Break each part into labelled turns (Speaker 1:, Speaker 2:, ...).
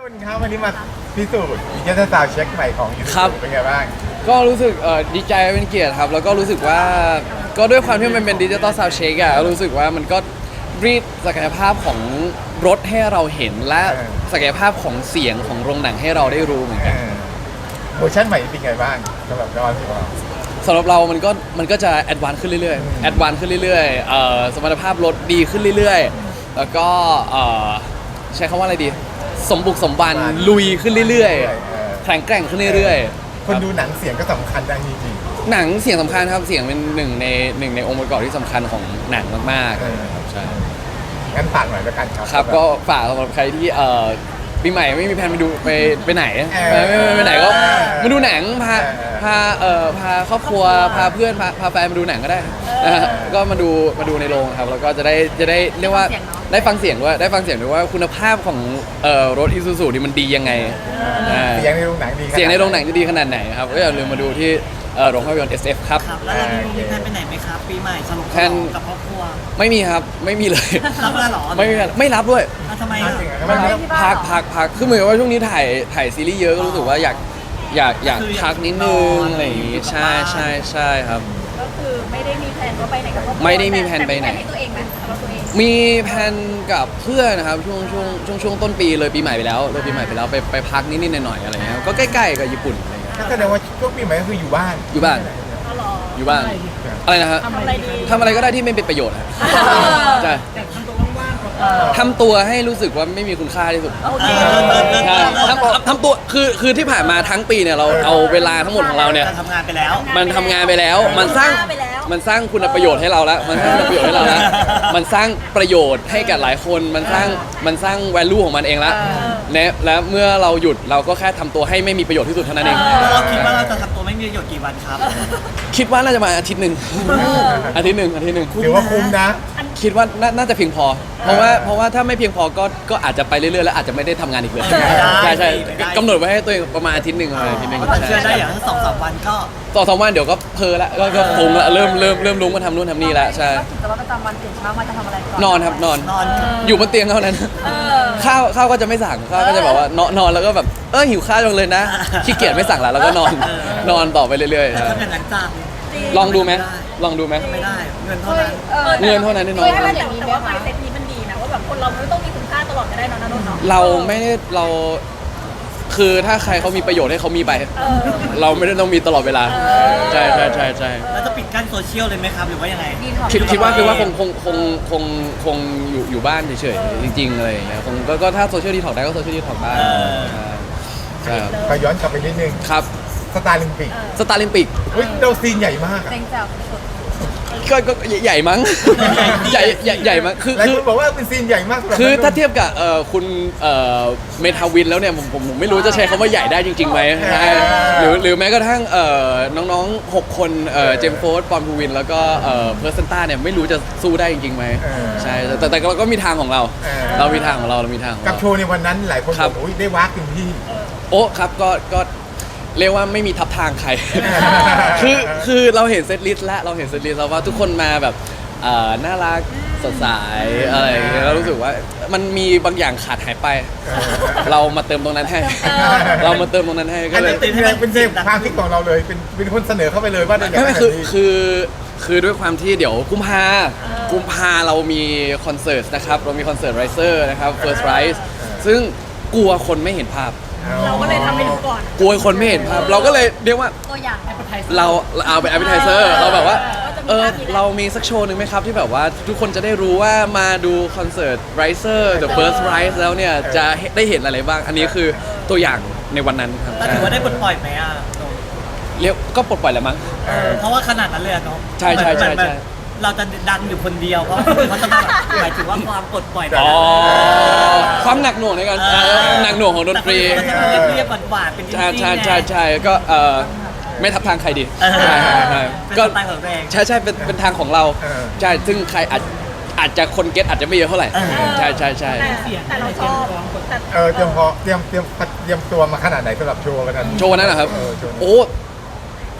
Speaker 1: นนท์ครับวันนี้มาพิสูจน์ดิจิทัลซาวด์เช็คใหม่ของยู
Speaker 2: ครับ
Speaker 1: เป็นไงบ้าง
Speaker 2: ก็รู้สึกดีใจเป็นเกียรติครับแล้วก็รู้สึกว่าก็ด้วยความที่มันเป็นดิจิตอลซาวด์เช็คอะรู้สึกว่ามันก็รีดศักยภาพของรถให้เราเห็นและศักยภาพของเสียงของโรงหนังให้เราได้รู้เหมือนกัน
Speaker 1: เวอร์ชันใหม่เป็นไงบ้างสำหรับนอนของเรา
Speaker 2: สำหรับเรามันก็จะแอดวานซ์ขึ้นเรื่อยๆแอดวานซ์ขึ้นเรื่อยๆสมรรถภาพรถดีขึ้นเรื่อยๆแล้วก็ใช้คำว่าอะไรดีสมบุกสมบันลุยขึ้นเรื่อยๆแข็งแกร่งขึ้นเรื่อยๆ
Speaker 1: คนดูหนังเสียงก็สำคัญได้จริง
Speaker 2: หนังเสียงสำคัญครับเสียงเป็นหนึ่งในองค์ประกอบที่สำคัญของหนังมากๆใช่
Speaker 1: ๆงั้นฝากหน่อยแล้วกันครับ
Speaker 2: ครับก็ฝากสำหรับใครที่ปีใหม่ไม่มีแผนไปไหนไปไหนก็มาดูหนังพาครอบครัวพาเพื่อนพาแฟนมาดูหนังก็ได้นะฮะก็มาดูในโรงครับแล้วก็จะได้เรียกว่าได้ฟังเสียงด้วยว่าคุณภาพของรถ Isuzu นี่มันดียังไง
Speaker 1: เสียงในโรงหนังดี
Speaker 2: เสียงในโรงหนังจะดีขนาดไหนครับก็อย่าลืมมาดูที่โรงภาพยนตร์ SF ครับ
Speaker 3: ครับแล้วเรามีแพลนไปไหนไหมครับ ปีใหม่ฉลอง
Speaker 2: แพลน
Speaker 3: กับครอบครัว
Speaker 2: ไม่มีครับไม่มีเลย
Speaker 3: รับแล้วเหรอ
Speaker 2: ไม่รับด้วย
Speaker 3: อ่ะทำไม
Speaker 1: จ
Speaker 3: อ่ะ
Speaker 1: ริงๆไม่ได้
Speaker 2: พักคือเหมือนกับว่าช่วงนี้ถ่ายซีรีส์เยอะก็รู้สึกว่าอยากพักนิดนึงอะไรอย่างงี้ใช่ครับ
Speaker 4: ก็คือไม่ได้มีแผนว่าไปไหนกับครอบครัว
Speaker 2: ไม่ได้มีแผนไปไหน
Speaker 4: แต่มีแผให้ตัวเองไหมสำหรับตัวเอง
Speaker 2: มีแผนกับเพื่อนนะครับช่วงต้นปีเลยปีใหม่ไปแล้วไปพักนิดๆหน่อยๆอะไรเงี้ยก็ใกล้ๆกับญี่ปุ่นอะไรเงี้ย
Speaker 1: ก็แสดงว่าช่วงปีใหม่ก็คืออยู่บ้าน
Speaker 2: อยู่บ้าน
Speaker 4: อ๋อเหรอ
Speaker 2: อยู่บ้านอะไรนะฮะ
Speaker 4: ทำอะไรดี
Speaker 2: ทำอะไรก็ได้ที่ไม่เป็นประโยชน์ครับใช่
Speaker 3: แต่ทำตัวว่างๆก่อน
Speaker 2: ทำตัวให้รู้สึกว่าไม่มีคุณค่าที่สุด
Speaker 4: โอเค
Speaker 2: ใช่ทำตัวคือที่ผ่านมาทั้งปีเนี่ยเราเอาเวลาทั้งหมดของเราเนี่ย
Speaker 3: การทำงานไปแล้ว
Speaker 2: มันทำงานไปแล้วมันสร้างคุณประโยชน์ให้เราแล้วมันสร้างคุณประโยชน์ให้เราแล้วมันสร้างประโยชน์ให้กับหลายคนมันสร้าง value ของมันเองแล้วและเมื่อเราหยุดเราก็แค่ทำตัวให้ไม่มีประโยชน์ที่สุดเท่านั้นเอง
Speaker 3: เราคิดว่าเราจะทำตัวไม่มีประโยชน์กี่วันครับ
Speaker 2: คิดว่าน่าจะมาอาทิตย์หนึ่งอาทิตย์หนึ่ง
Speaker 1: ถือว่าคุ้มนะ
Speaker 2: คิดว่าน่าจะเพียงพอ เพราะว่าถ้าไม่เพียงพอก็อาจจะไปเรื่อยๆแล้วอาจจะไม่ได้ทำงานอีกเลยใช่กำหนดไว้ให้ตัวเองประมาณอาทิตย์หนึ่งอะไรอาทิตย์หนึ่ง
Speaker 3: แต่เชื่อได้อย่างสองสามวันก็
Speaker 2: 2-3 วันเดี๋ยวก็เพลละก็คงละเริ่มรู้มาทำนู่นทำนี่แล้วใช่
Speaker 4: กิจวัตรประจำวันตื่นเช้ามาจะทำอะไรก่อน
Speaker 2: นอนครับนอน
Speaker 3: นอน
Speaker 2: อยู่บนเตียงเท่านั้น ข้าวก็จะไม่สั่งข้าวก็จะบอกว่านอนแล้วก็แบบหิวข้าวจังเลยนะขี้เกียจไม่สั่งละแล้วก็นอนต่อไปเรื่อยๆ
Speaker 3: แต่
Speaker 2: ใช่
Speaker 3: ทำอย่างนั้นจ้า
Speaker 2: ลองดูไหมลองดูไหม
Speaker 3: ไม่ได้เงินเท่านั้น
Speaker 2: เงินเท่านั้นที่นอน
Speaker 4: ให้มันแต่ว่าไมเซ็ตนี้มันดีนะว่าแบบคนเราไม่ต้องมีคุณค่าตลอดก็ได้เนอะนะนนท์เนาะ
Speaker 2: เราไม่ได้คือถ้าใครเขามีประโยชน์ให้เขามีไป เราไม่ได้ต้องมีตลอดเวลาใช่
Speaker 3: แล้วจะปิดกั้นโซเชียลเลยไหมครับหรือว่ายังไง
Speaker 2: คิดว่าคงอยู่บ้านเฉยๆจริงๆอะไรอย่างเงี้ยคงก็ถ้าโซเชียลดีท็อกได้ก็โซเชียลดีท็อกได้ใช่ครับ
Speaker 1: ก็ย้อนกลับไปนิดนึง
Speaker 2: ครับ
Speaker 1: สตาร์ลิมปิก
Speaker 2: สตาร์ลิมปิก
Speaker 1: เฮ้ยเราซีนใหญ่มากอะ
Speaker 4: เต็งแจ๋วสุด
Speaker 2: ก็ใหญ่มั้งใหญ่มั้งคือ
Speaker 1: หลายคนบอกว่าเป็นซีนใหญ่มากสำหรับ
Speaker 2: คือถ้าเทียบกับคุณเมทาวินแล้วเนี่ยผมไม่รู้จะใช้คำว่าใหญ่ได้จริงๆไหมใช่หรือแม้กระทั่งน้องๆ6คนเจมส์โฟร์ดปอนพูวินแล้วก็เพอร์เซนต้าเนี่ยไม่รู้จะสู้ได้จริงๆไหมใช่แต่เราก็มีทางของเราเรามีทางของเรามีทางของ
Speaker 1: กับ
Speaker 2: เรา
Speaker 1: โชว์ในวันนั้นหลายคนบอกโอ้ยได้วากเต็มที่
Speaker 2: โอ้ครับก็เรียกว่าไม่มีทับทางใคร คือเราเห็นเซตลิสต์แล้วเราเห็นเซตลิสต์แล้วว่าทุกคนมาแบบน่ารักสดใสอะไรอย่างเงี้ยเรารู้สึกว่ามันมีบางอย่างขาดหายไป เรามาเติมตรงนั้นให้ เรามาเติมตรงนั้นให้ก็
Speaker 1: อัน
Speaker 2: เล
Speaker 1: นี้
Speaker 2: ย
Speaker 1: เป็นเซฟความคิดของเราเลยเป็นคนเสนอเข้าไปเลยว่าอยาก
Speaker 2: ไม่
Speaker 1: ให้
Speaker 2: คือ
Speaker 1: แบบนี้
Speaker 2: คือด้วยความที่เดี๋ยวกุมภาเรามีคอนเสิร์ตนะครับเรามีคอนเสิร์ตไรเซอร์นะครับ First Rise ซึ่งกลัวคนไม่เห็นภาพ
Speaker 4: เราก็เลยทำให้ดูก่อน
Speaker 2: กลัวคนไม่เห็นภาพเราก็เลยเรียกว่า
Speaker 4: ตัวอย่างแอปเปิลไทเซอร์
Speaker 2: เราเอาเป็น appetizer เราแบบว่า
Speaker 4: ว่าจะมีภาพนี้แหละ
Speaker 2: เรามีสักโชว์หนึ่งไหมครับที่แบบว่าทุกคนจะได้รู้ว่ามาดูคอนเสิร์ต Riser The First Rise แล้วเนี่ยจะได้เห็นอะไรบ้าง อันนี้คือตัวอย่างในวันนั้นครับ
Speaker 3: แต่ถือว่าได้ปลดปล่อยไหมอ่ะ
Speaker 2: เรียกก็ปลดปล่อยแล้วมั้ง
Speaker 3: เพราะว่าขนาดนั้นเลยอะเนาะ
Speaker 2: ใช่
Speaker 3: เหมือนเราจะดังอยู่คนเดียวเพราะเขาจะแบบหมายถึงว่าความปลดปล่อยแบบ
Speaker 2: อ๋อความหนักหน่วงในการหนักหน่วงของดนตรี
Speaker 3: แต่เขาจะเรียบๆหวานๆเป็นจริงๆ
Speaker 2: ใช่ก็ไม่ทับทางใครดี
Speaker 3: ใช่
Speaker 2: ใช่
Speaker 3: เป็น
Speaker 2: ก็
Speaker 3: สไตล์ของตัวเอง
Speaker 2: ใช่เป็นทางของเราใช่ซึ่งใครอาจจะคนเก็ตอาจจะไม่เยอะเท่าไหร่ใช่
Speaker 4: แต่เราชอบแต่
Speaker 1: เตรียมตัวมาขนาดไหนสำหรับโชว์กันนั้น
Speaker 2: โชว์นั้นนะครับ
Speaker 1: โชว์นั้น
Speaker 2: โอ้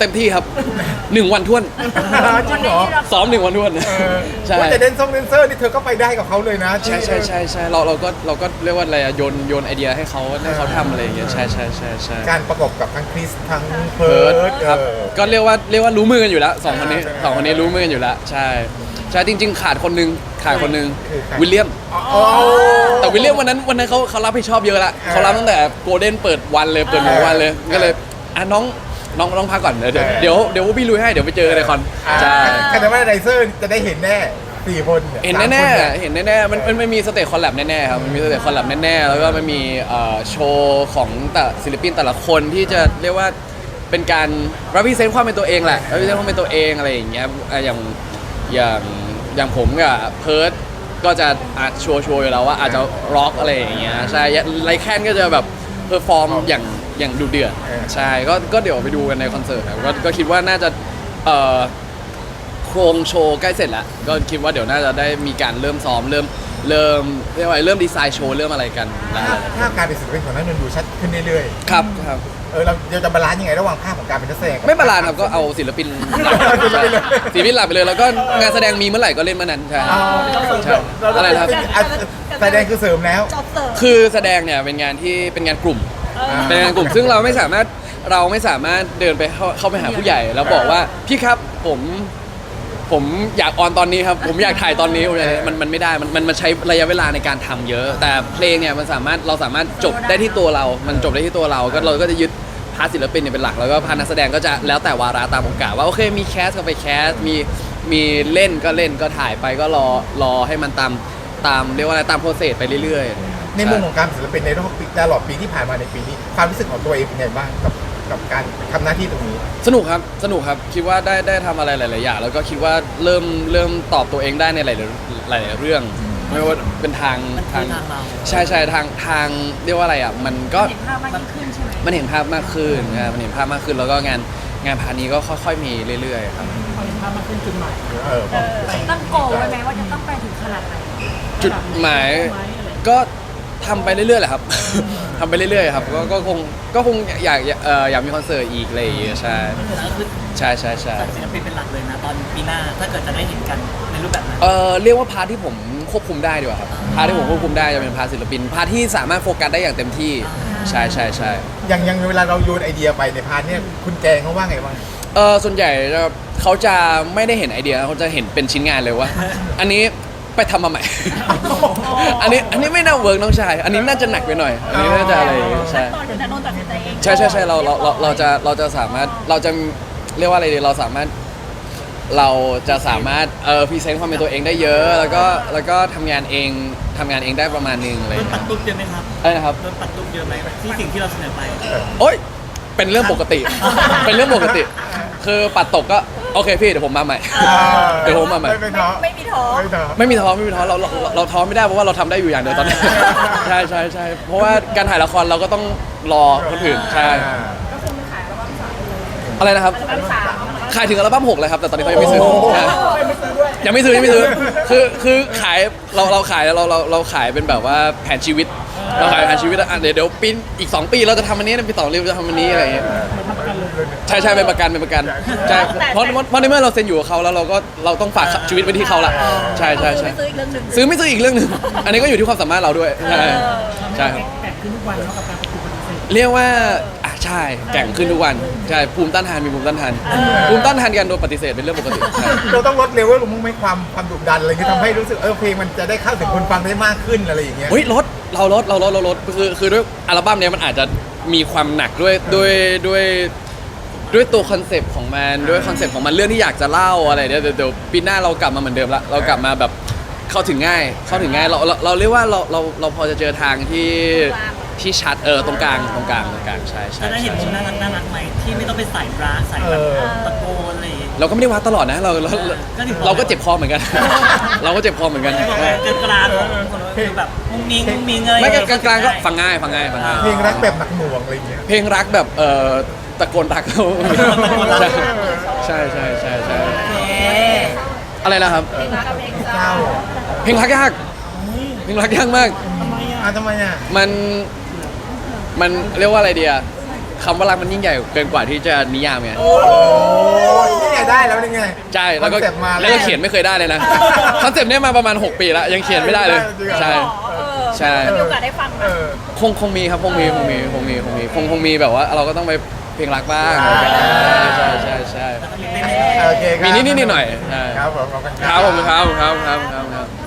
Speaker 2: เต็มที่ครับ 1 วันท้วน
Speaker 1: จริงเหรอ
Speaker 2: ซ้อม1 วันท้วน ใช่
Speaker 1: ว่าแต่เดนเซอร์นี่เธอก็ไปได้กับเขาเลยนะ
Speaker 2: ใช่เราก็เรียกว่าอะไรอะโยนไอเดียให้เขาทำอะไรอย่างเงี้ยใช่
Speaker 1: การประกบกับทั้งคริสทั้งเพิ
Speaker 2: เพิ
Speaker 1: ร์
Speaker 2: ร์
Speaker 1: ด
Speaker 2: ดครับก็เรียกว่ารู้มือกันอยู่แล้วสองคนนี้รู้มือกันอยู่แล้วใช่จริงๆขาดคนนึงวิลเลียม แต่วิลเลียมวันนั้นเขารับผิดชอบเยอะละเขารับตั้งแต่โกลเด้นเปิดวันเลยเปิด1 วันเลยก็เลยน้องพักก่อนเดี๋ยวพี่ลุยให้เดี๋ยวไปเจอกันในคอนใช่
Speaker 1: แต่ว่าไดเซอร์จะได้เห็นแน่4 คนย
Speaker 2: เห็นแน่มันไม่มีสเตจคอลแลบแน่ๆครับมันมีสเตจคอลแลบแน่ๆแล้วก็มันมีโชว์ของแต่ศิลปินแต่ละคนที่จะเรียกว่าเป็นการ represent ความเป็นตัวเองแหละ represent ความเป็นตัวเองอะไรอย่างเงี้ยอย่างผมกับเพิร์ดก็จะชัวร์อยู่แล้วว่าอาจจะร็อกอะไรอย่างเงี้ยใช่ไลแคนก็จะแบบเพอร์ฟอร์มอย่างดุเดือดใช่ก็เดี๋ยวไปดูกันในคอนเสิร์ตครับก็คิดว่าน่าจะโครงโชว์ใกล้เสร็จแล้วก็คิดว่าเดี๋ยวน่าจะได้มีการเริ่มซ้อมเริ่มเรียกว่าเริ่มดีไซน์โชว์เริ่มอะไรกันแล้ว
Speaker 1: ถ้าการเป็นศิลปินของนั้นมันดูชัดขึ้นเรื่อย
Speaker 2: ครับ
Speaker 1: เราจะบาลานซ์ยังไงระหว่างภาพของการเป็นนักแสดง
Speaker 2: ไม่บาลานซ์ครับก็เอาศิลปินศิลปินหลักไปเลยแล้วก็งานแสดงมีเมื่อไหร่ก็เล่นเมื่อนั้นใช่ใช่อะไรครับ
Speaker 1: แสดงคือเสริมแล้ว
Speaker 4: จอบเสิร์ฟ
Speaker 2: คือแสดงเนี่ยเป็นงานที่เป็นงานกลุ่ม เป็นงานกลุ่มซึ่งเราไม่สามารถเดินไปเข้าไปหาผู้ใหญ่ แล้วบอกว่าพี่ครับผมอยากออนตอนนี้ครับผมอยากถ่ายตอนนี้มันไม่ได้มันใช้ระยะเวลาในการทำเยอะ แต่เพลงเนี่ยเราสามารถจบได้ที่ตัวเรามันจบได้ที่ตัวเราก็จะยึดพาร์ทศิลปินเนี่ยเป็นหลักแล้วก็พาร์ทนักแสดงก็จะแล้วแต่วาระตามโอกาสว่าโอเคมีแคสก็ไปแคสมีเล่นก็ถ่ายไปก็รอให้มันตามเรียกว่าอะไรตามโปรเซสไปเรื่อยๆ
Speaker 1: ในมุมของการเป็นศิลปินในรอบปีตลอดปีที่ผ่านมาในปีนี้ความรู้สึกของตัวเองเป็นไงบ้างกับการทำหน้าที่ตรงนี้
Speaker 2: สนุกครับคิดว่าได้ทำอะไรหลายๆอย่างแล้วก็คิดว่าเริ่มตอบตัวเองได้ในหลายๆเรื่องไม่ว่าเป็นทาง
Speaker 3: เรา
Speaker 2: ใช่ทางเรียกว่าอะไรอ่ะมันก็
Speaker 4: เห็นภาพมากยิ่งขึ้นใช่ไหม
Speaker 2: มันเห็นภาพมากขึ้นมันเห็นภาพมากขึ้นแล้วก็งานพาร์ทนี้ก็ค่อยๆมีเรื่อยๆครับ
Speaker 4: ตั้งโกลไว้ไหมว่าจะต้องไปถึงขนาดไหน
Speaker 2: จุดหมายก็ทำไปเรื่อยๆแหละครับ ทำไปเรื่อยๆครับก็คงอยากมีคอนเสิร์ตอีกอะไรอย่างเงี้ยใช่
Speaker 3: แล้วคือ
Speaker 2: ใช่
Speaker 3: จัดศิลปินเป็นหลักเลยนะตอนปีหน้าถ้าเกิดจะได้เห็นกันในรูปแบบนั้น
Speaker 2: เรียกว่าพาร์ทที่ผมควบคุมได้ดีกว่าครับพาร์ทที่ผมควบคุมได้จะเป็นพาร์ทศิลปินพาร์ทที่สามารถโฟกัสได้อย่างเต็มที่ใช่
Speaker 1: อย่างเวลาเราโยนไอเดียไปในพาร์ทเนี่ยคุณแกงเขาว่าไงบ้าง
Speaker 2: ส่วนใหญ่เขาจะไม่ได้เห็นไอเดียเขาจะเห็นเป็นชิ้นงานเลยว่า อันนี้ไปทำมาใหม่ อันนี้ไม่น่าเวิร์กน้องชายอันนี้น่าจะหนักไปหน่อยอันนี้น่าจะอะไรใช่
Speaker 4: ตอนถึงจะโดนตัดสินใจเอง
Speaker 2: ใช่เราจะสามารถเราจะเรียกว่าอะไรดีเราจะสามารถพรีเซนต์ความเป็นตัวเองได้เยอะแล้วก็ทำงานเองได้ประมาณนึงอะไรอ
Speaker 3: โด
Speaker 2: ย่าน ง
Speaker 3: ปั
Speaker 2: เงี้
Speaker 3: ด
Speaker 2: ย
Speaker 3: ตุ๊บเยอะไหมครับ
Speaker 2: อะไรนะครับ
Speaker 3: โดนปัดตุ๊บเยอะไหมที่สิ่งที่เราเสนอไป
Speaker 2: โอ๊ยเป็นเรื่องปกติ เป็นเรื่องปกติ คือปัดตกก็โอเคพี่เดี๋ยวผมมาใหม่ เดี๋ยวผมมาใหม่
Speaker 1: ไม่ท้อ
Speaker 4: ไม่มีท้อ
Speaker 2: ไม่มีท้อเราท้อไม่ได้เพราะว่าเราทำได้อยู่อย่างเดียวตอนนี้ ใช่เพราะว่าการถ่ายละครเราก็ต้องรอคนอื่นใช่
Speaker 4: ก็คือมันขายแล้วว่าสามเลย
Speaker 2: อะไรนะครับ
Speaker 4: อัลบั้มสาม
Speaker 2: ขายถึงอัลบั้ม6เลยครับแต่ตอนนี้เขายังไม่ซื้อ
Speaker 1: โอ้โห
Speaker 2: นะ ยังไม่ซื้อคือขายเราขายเราขายเป็นแบบว่าแผนชีวิตเราขายแผนชีวิตเดี๋ยวปีอีก2 ปีเราจะทำอันนี้ปี2 ปีเราจะทำอันนี้อะไรอย่างเงี้ยใช่เป็นประกันใช่เพราะในเมื่อเราเซ็นอยู่กับเขาแล้วเราต้องฝากชีวิตไว้ที่เขาละใช่
Speaker 4: ไม่ซื้ออีกเรื่องหนึ่ง
Speaker 2: ซื้อไม่ซื้ออีกเรื่องหนึ่งอันนี้ก็อยู่ที่ความสามารถเราด้วยใช่ครับเรียกว่าใช่แก่งขึ้นทุกวันใช่ภูมิต้านทานมีภูมิต้านทานการโดนปฏิเสธเป็นเรื่องปกติใช่
Speaker 1: เราต้องลดเลเวลลงมั้งไหมความดุดันอะไรที่ทำให้รู้สึกเพลงมันจะได้เข้าถึงคนฟังได้มากขึ้นอะไรอย่างเงี้ย
Speaker 2: เฮ้ยลดคือด้วยอัลบั้มเนี้ยมันอาจจะมีความหนักด้วยตัวคอนเซปต์ของมันด้วยคอนเซปต์ของมันเรื่องที่อยากจะเล่าอะไรเดี๋ยวปีหน้าเรากลับมาเหมือนเดิมละเรากลับมาแบบเข้าถึงง่ายเราเรียกว่าเราพอจะเจอทางที่ชัดตรงกลางใช่
Speaker 3: จะได้เห็นมุมน่ารักไหมที่ไม่ต้องไปใส่ร้าใส่แบบตะโกนอะไรอย่างเงี้ย
Speaker 2: เราก็ไม่ได้วัดตลอดนะเราก็เจ็บคอเหมือนกัน เราก็เจ็บคอเหมือนกัน
Speaker 3: กลางของคนคือแบบมุ้งมิ้งอะไร
Speaker 2: ไม่กลางก็ฟังง่าย
Speaker 1: เพลงรักแบบหนักหน่วงอะไรอย่างเงี้ย
Speaker 2: เพลงรักแบบตะโกนรักเขาใช่ อะไรนะครับ
Speaker 4: เพลงรักกับเพลงเศ
Speaker 1: เศร้า
Speaker 4: ร้า
Speaker 2: เพลงรักยากมาก
Speaker 1: ทำไมอ่ะ
Speaker 2: มันเรียกว่าอะไรเดียคคำว่ารักมันยิ่งใหญ่เกินกว่าที่จะนิยามไง
Speaker 1: โอ้ยนี่ไงได้แล้วนี่ไง
Speaker 2: ใช่แล้วก็
Speaker 1: คอนเซ็ปต์มา
Speaker 2: แล้วก็เขียนไม่เคยได้เลยนะคอนเซปต์เนี้ยมาประมาณ 6 ปีแล้วยังเขียนไม่ได้เลย ใช่ ใช่
Speaker 4: จะมีโอกาสได้ฟังไหม
Speaker 1: เออ
Speaker 2: คงมีครับคงมีแบบว่าเราก็ต้องไปเพลงรักบ้าง
Speaker 1: อ่า
Speaker 2: ใช่
Speaker 1: โอเคครับ
Speaker 2: มีนิดๆหน่อยๆใช่
Speaker 1: ครับผมขอบคุณ
Speaker 2: ครับผมครับ